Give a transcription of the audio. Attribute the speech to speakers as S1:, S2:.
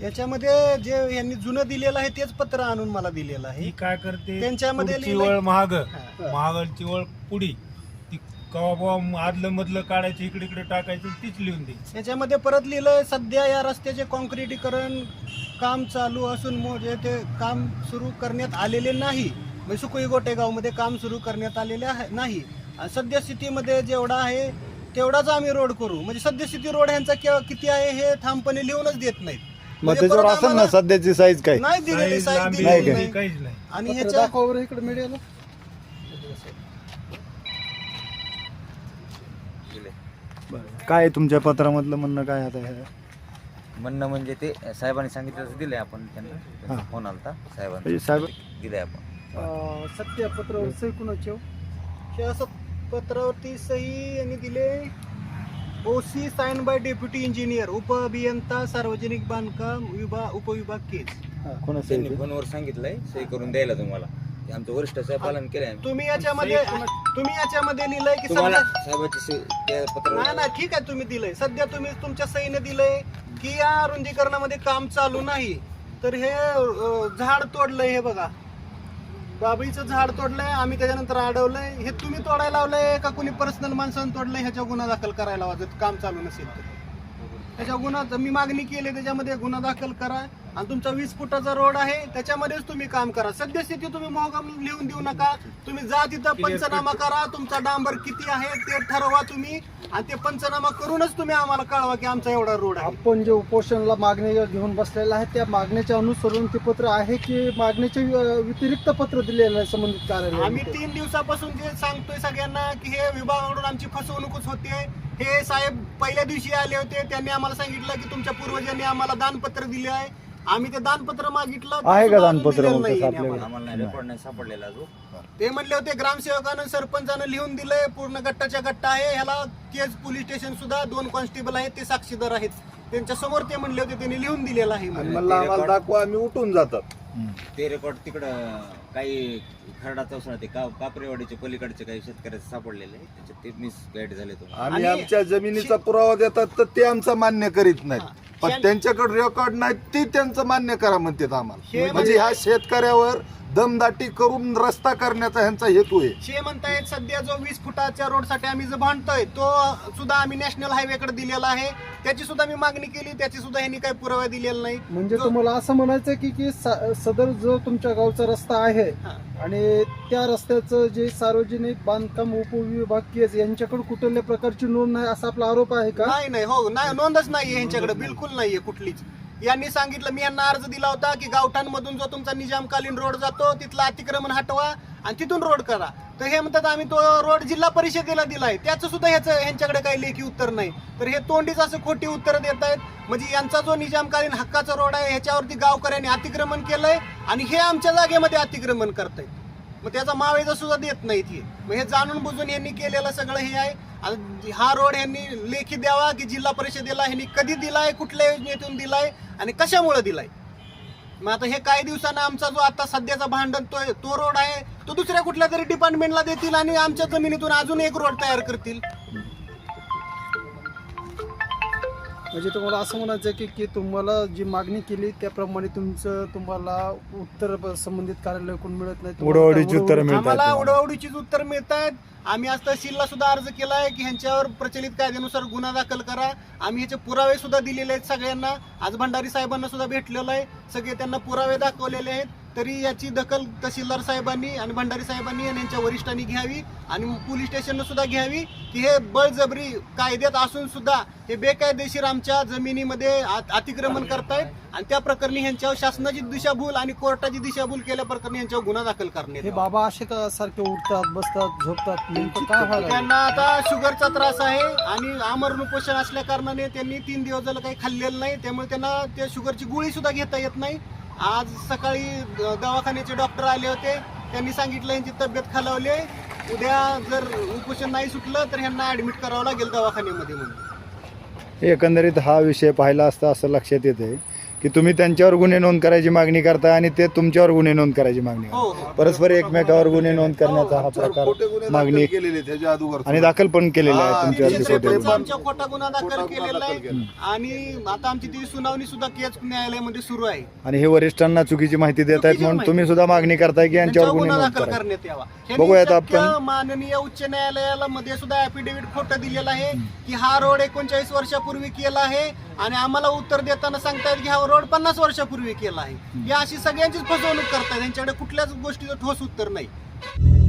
S1: याच्यामध्ये जे यांनी जुनं दिलेलं आहे तेच पत्र आणून मला दिलेलं आहे.
S2: ही काय करते,
S1: त्यांच्यामध्ये
S2: पुढची
S1: लिहिलंय-
S2: वळ महागलची वळ पुढी, ती कवा आदलं मधलं काढायचं, इकडे इकडे टाकायचं, तीच लिहून दे.
S1: याच्यामध्ये परत लिहिलंय सध्या या रस्त्याचे कॉन्क्रिटीकरण काम चालू असून ते काम सुरू करण्यात आलेले नाही. म्हणजे सुकुई गोटेगावमध्ये काम सुरू करण्यात आलेले नाही. आणि सद्यस्थितीमध्ये जेवढा आहे तेवढाच आम्ही रोड करू. म्हणजे सद्यस्थिती रोड ह्यांचा किती आहे हे ठामपणे लिहूनच देत नाहीत.
S3: मग
S1: म्हणजे
S3: त्याच्यावर
S1: परत
S3: असेल ना
S1: आम्हाला
S3: सध्याची साईज काय?
S1: नाही दिलेली
S2: साईज,
S1: साईज
S2: लांबी,
S1: दिलेली
S3: नाही
S1: नाही.
S2: काहीच नाही.
S1: आणि
S4: पत्र
S1: ह्याच्या
S4: दाखवा बरं इकडे मीडियाला.
S3: काय आहे तुमच्या पत्रामधलं म्हणणं काय आता हे?
S5: म्हणणं म्हणजे ते साहेबांनी सांगितलं तसं दिलंय आपण त्यांना. त्यांचा
S3: हां.
S5: फोन आलता साहेबांनी,
S3: म्हणजे साहेब
S5: दिलंय आपण.
S4: सत्य पत्रावर सही कुणाची हो?
S1: हे असं पत्रावरती सही यांनी दिले. OC sign by deputy engineer, उपअभियंता सार्वजनिक बांधकाम उपविभाग केस.
S3: कोणाचं
S5: त्यांनी
S3: आहे ते?
S5: फोनवर सांगितलंय सही करून द्यायला तुम्हाला. ते आमचं वरिष्ठ साहेब पालन केलंय.
S1: तुम्ही याच्यामध्ये लिहिलंय की
S5: तुम्हाला
S1: समजा
S5: साहेबाची सही त्या पत्रावर
S1: नाही ठीक आहे, तुम्ही दिलंय. सध्या तुम्ही तुमच्या सहीने दिलंय की या रुंदीकरणामध्ये काम चालू नाही. तर हे झाड तोडलंय, हे बघा बाबळीचं झाड तोडलंय, आम्ही त्याच्यानंतर अडवलंय. हे तुम्ही तोडायला लावलंय का कुणी पर्सनल माणसानं तोडलंय? ह्याच्या गुन्हा दाखल करायला लावा जर काम चालू नसेल तर. त्याच्या गुन्हा मी मागणी केली, त्याच्यामध्ये गुन्हा दाखल करा. आणि तुमचा 20 फुटाचा रोड आहे त्याच्यामध्येच तुम्ही काम करा. सद्यस्थिती तुम्ही मोहगम लिहून देऊ नका. तुम्ही जा तिथं पंचनामा करा, तुमचा डांबर किती आहे ते ठरवा तुम्ही, आणि ते पंचनामा करूनच तुम्ही आम्हाला कळवा की आमचा एवढा रोड आहे.
S4: आपण जे उपोषणाला मागणी घेऊन बसलेला आहे त्या मागण्याच्या अनुसरून ते पत्र आहे की मागण्याचे व्यतिरिक्त पत्र दिलेलं आहे संबंधित कार्यालय?
S1: आम्ही 3 दिवसापासून जे सांगतोय सगळ्यांना की हे विभागाकडून आमची फसवणूकच होते. हे साहेब पहिल्या दिवशी आले होते, त्यांनी आम्हाला सांगितलं की तुमच्या पूर्वजांनी आम्हाला दानपत्र दिले आहे. आम्ही ते दानपत्र मागितलं, ते
S3: आहे का
S1: सुद्धा
S3: दानपत्र
S1: दिलेलं
S3: मग
S1: नाहीये
S3: तसं आपल्याकडे?
S1: आम्हाला.
S5: आम्हाला नाही रेकॉर्ड नाही सापडलेला अजून.
S1: ते म्हणले होते ग्रामसेवकानं सरपंचानं लिहून दिलंय, पूर्ण गट्टाच्या गट्टा आहे. ह्याला केज पोलीस स्टेशन सुद्धा 2 कॉन्स्टेबल आहेत, ते साक्षीदार आहेत. त्यांच्या समोर ते म्हणले होते, त्यांनी लिहून दिलेलं आहे म्हणून.
S6: म्हणलं आम्हाला दाखवा, आम्ही उठून जातात.
S5: ते रेकॉर्ड तिकडं काही खरडा चौसळा ते कापरेवाडीचे पलीकडचे काही शेतकऱ्याचे सापडलेले आहे. त्याच्यात ते मिस गाईड झाले तुम्हाला.
S6: आम्ही
S1: आणि
S6: आमच्या जमिनीचा पुरावा देतात तर ते आमचा मान्य करीत नाहीत. पण त्यांच्याकडे रेकॉर्ड नाही, ते त्यांचं मान्य करा म्हणतात आम्हाला. म्हणजे ह्या शेतकऱ्यावर दमदाटी करून रस्ता करण्याचा ह्यांचा हेतू आहे.
S1: शे म्हणतायत सध्या जो 20 फुटाच्या रोडसाठी आम्ही जो भांडतोय तो सुद्धा आम्ही नॅशनल हायवेकडे दिलेला आहे. त्याची सुद्धा मी मागणी केली, त्याची सुद्धा ह्यांनी काही पुरावा दिलेला नाही.
S4: म्हणजे तुम्हाला असं म्हणायचं की सदर जो तुमच्या गावचा रस्ता आहे
S1: हा.
S4: आणि त्या रस्त्याचं जे सार्वजनिक बांधकाम उपविभाग केस यांच्याकडे कुठल्या प्रकारची नोंद नाही असा आपला आरोप आहे का?
S1: नाही हो, नाही, नोंदच नाहीये यांच्याकडे, बिलकुल नाहीये कुठलीच. यांनी सांगितलं, मी यांना अर्ज दिला होता की गावठाणमधून जो तुमचा निजामकालीन रोड जातो तिथला अतिक्रमण हटवा आणि तिथून रोड करा. तर हे म्हणतात आम्ही तो रोड जिल्हा परिषदेला दिलाय, त्याचं सुद्धा ह्यांच्याकडे काही लेखी उत्तर नाही. तर हे तोंडीच असं खोटी उत्तर देत आहेत. म्हणजे यांचा जो निजामकालीन हक्काचा रोड आहे ह्याच्यावरती गावकऱ्यांनी अतिक्रमण केलंय आणि हे आमच्या जागेमध्ये अतिक्रमण करतायत. मग त्याचा मावेजा सुद्धा देत नाहीत हे. मग हे जाणून बुजून यांनी केलेलं सगळं हे आहे. आणि हा रोड यांनी लेखी द्यावा की जिल्हा परिषदेला ह्यांनी कधी दिलाय, कुठल्या योजनेतून दिलाय आणि कशामुळे दिलाय. मग आता हे काही दिवसांना आमचा जो आता सध्याचा भांडण तो रोड आहे तो दुसऱ्या कुठल्या तरी डिपार्टमेंटला देतील आणि आमच्या जमिनीतून अजून एक रोड तयार करतील.
S4: म्हणजे तुम्हाला असं म्हणायचं की तुम्हाला जी मागणी केली त्याप्रमाणे तुम्हाला उत्तर संबंधित कार्यालयाकडून मिळत नाही?
S3: उडवडीची उत्तर
S1: आम्हाला
S3: मिळतात.
S1: उडवडीचीच उत्तर मिळत आहेत. आम्ही आज तहसीलला सुद्धा अर्ज केलाय की ह्यांच्यावर प्रचलित कायद्यानुसार गुन्हा दाखल करा. आम्ही ह्याचे पुरावे सुद्धा दिलेले आहेत सगळ्यांना. आज भंडारी साहेबांना सुद्धा भेटलेलं आहे, सगळे त्यांना पुरावे दाखवलेले आहेत. तरी याची दखल तहसीलदार साहेबांनी आणि भंडारी साहेबांनी आणि यांच्या वरिष्ठांनी घ्यावी आणि पोलीस स्टेशनला सुद्धा घ्यावी की हे बळजबरी कायद्यात असून सुद्धा हे बेकायदेशीर आमच्या जमिनीमध्ये अतिक्रमण करतायत आणि त्या प्रकरणी ह्यांच्यावर शासनाची दिशाभूल आणि कोर्टाची दिशाभूल केल्या प्रकरणी यांच्यावर गुन्हा दाखल करण्यात
S4: हे
S1: यावा.
S4: बाबा असे का सारखे उठतात बसतात झोपतात, नेमकं काय व्हायला?
S1: त्यांना आता शुगरचा त्रास आहे आणि आमरण उपोषण असल्या कारणाने त्यांनी 3 दिवस झालं काही खाल्लेलं नाही, त्यामुळे त्यांना त्या शुगरची गोळी सुद्धा घेता येत नाही. आज सकाळी दवाखान्याचे डॉक्टर आले होते, त्यांनी सांगितलं यांची तब्येत खालावली आहे, उद्या जर उपोषण नाही सुटलं तर ह्यांना ऍडमिट करावं लागेल दवाखान्यामध्ये म्हणून.
S3: एकंदरीत हा विषय पाहिला असता असं लक्षात येते की तुम्ही त्यांच्यावर गुन्हे नोंद करायची मागणी करता आणि ते तुमच्यावर गुन्हे नोंद करायची मागणी
S1: हो
S3: करतात. परस्पर एकमेकावर गुन्हे नोंद करण्याचा हा
S6: खोटे
S3: प्रकार
S6: गुन्हे
S3: मागणी
S6: दाखल केलेले त्याच्या अगोदर
S3: आणि दाखल पण केलेला आहे
S6: हा,
S3: तुमच्यावरती
S6: तीनशे
S3: खोटे गुन्हे.
S1: आमच्या खोटा गुन्हा दाखल
S6: खोटा गुन्हा
S1: केलेला
S6: दाखल
S1: आहे
S6: केला.
S1: आणि आता आमची ती सुनावणी सुद्धा केस न्यायालयामध्ये सुरू आहे.
S3: आणि हे वरिष्ठांना चुकीची माहिती देत आहेत
S1: चुकीची
S3: म्हणून
S1: माहिती.
S3: तुम्ही सुद्धा मागणी करताय की यांच्यावर
S1: त्यांच्यावर
S3: गुन्हे
S1: गुन्हा
S3: नोंद
S1: दाखल
S3: करा.
S1: करण्यात यावा.
S3: बघूयात
S1: ह्यांनी
S3: आपण.
S1: चक्क माननीय उच्च न्यायालयाला मध्ये सुद्धा ऍफिडेव्हिट खोटं दिलेलं आहे की हा रोड 39 वर्षापूर्वी केला आहे आणि आम्हाला उत्तर देताना सांगतायत की हा रोड 50 वर्षापूर्वी केला आहे. ही अशी सगळ्यांचीच फसवणूक करतात. यांच्याकडे कुठल्याच गोष्टीचं ठोस उत्तर नाही.